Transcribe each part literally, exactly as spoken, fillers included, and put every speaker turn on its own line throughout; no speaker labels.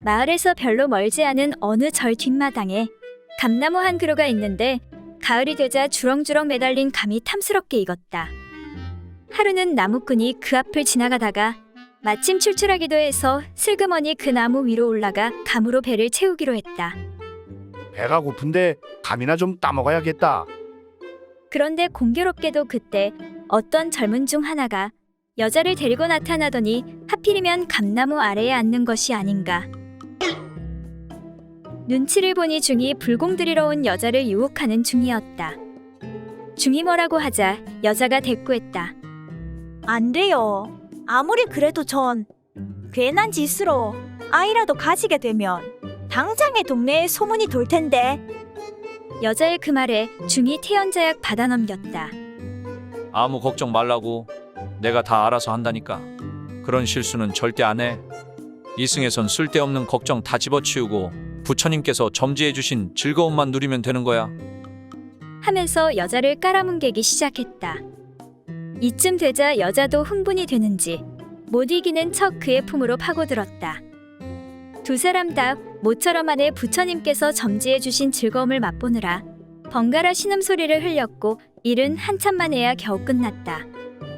마을에서 별로 멀지 않은 어느 절 뒷마당에 감나무 한 그루가 있는데 가을이 되자 주렁주렁 매달린 감이 탐스럽게 익었다. 하루는 나무꾼이 그 앞을 지나가다가 마침 출출하기도 해서 슬그머니 그 나무 위로 올라가 감으로 배를 채우기로 했다.
배가 고픈데 감이나 좀 따먹어야겠다.
그런데 공교롭게도 그때 어떤 젊은 중 하나가 여자를 데리고 나타나더니 하필이면 감나무 아래에 앉는 것이 아닌가. 눈치를 보니 중이 불공 들이러 온 여자를 유혹하는 중이었다. 중이 뭐라고 하자 여자가 대꾸했다.
안 돼요. 아무리 그래도 전 괜한 짓으로 아이라도 가지게 되면 당장에 동네에 소문이 돌 텐데.
여자의 그 말에 중이 태연자약 받아 넘겼다.
아무 걱정 말라고. 내가 다 알아서 한다니까. 그런 실수는 절대 안 해. 이승에선 쓸데없는 걱정 다 집어치우고 부처님께서 점지해 주신 즐거움만 누리면 되는 거야.
하면서 여자를 깔아뭉개기 시작했다. 이쯤 되자 여자도 흥분이 되는지 못 이기는 척 그의 품으로 파고들었다. 두 사람 다 모처럼 안에 부처님께서 점지해 주신 즐거움을 맛보느라 번갈아 신음소리를 흘렸고 일은 한참 만에야 겨우 끝났다.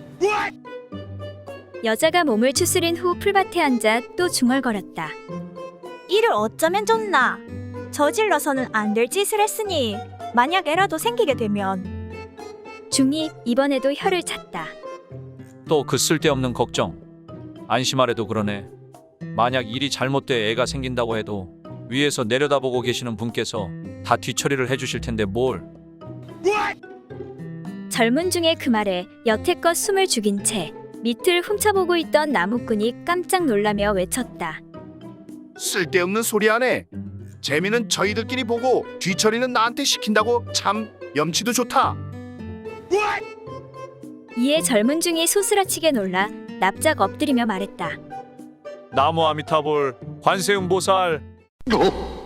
여자가 몸을 추스린 후 풀밭에 앉아 또 중얼거렸다.
이를 어쩌면 좋나. 저질러서는 안 될 짓을 했으니 만약 애라도 생기게 되면.
중이 이번에도 혀를 찼다.
또 그 쓸데없는 걱정. 안심하래도 그러네. 만약 일이 잘못돼 애가 생긴다고 해도 위에서 내려다보고 계시는 분께서 다 뒤처리를 해주실 텐데 뭘.
젊은 중의 그 말에 여태껏 숨을 죽인 채 밑을 훔쳐보고 있던 나무꾼이 깜짝 놀라며 외쳤다.
쓸데없는 소리 하네. 재미는 저희들끼리 보고 뒤처리는 나한테 시킨다고. 참 염치도 좋다.
이에 젊은 중이 소스라치게 놀라 납작 엎드리며 말했다.
나무 아미타볼 관세음보살.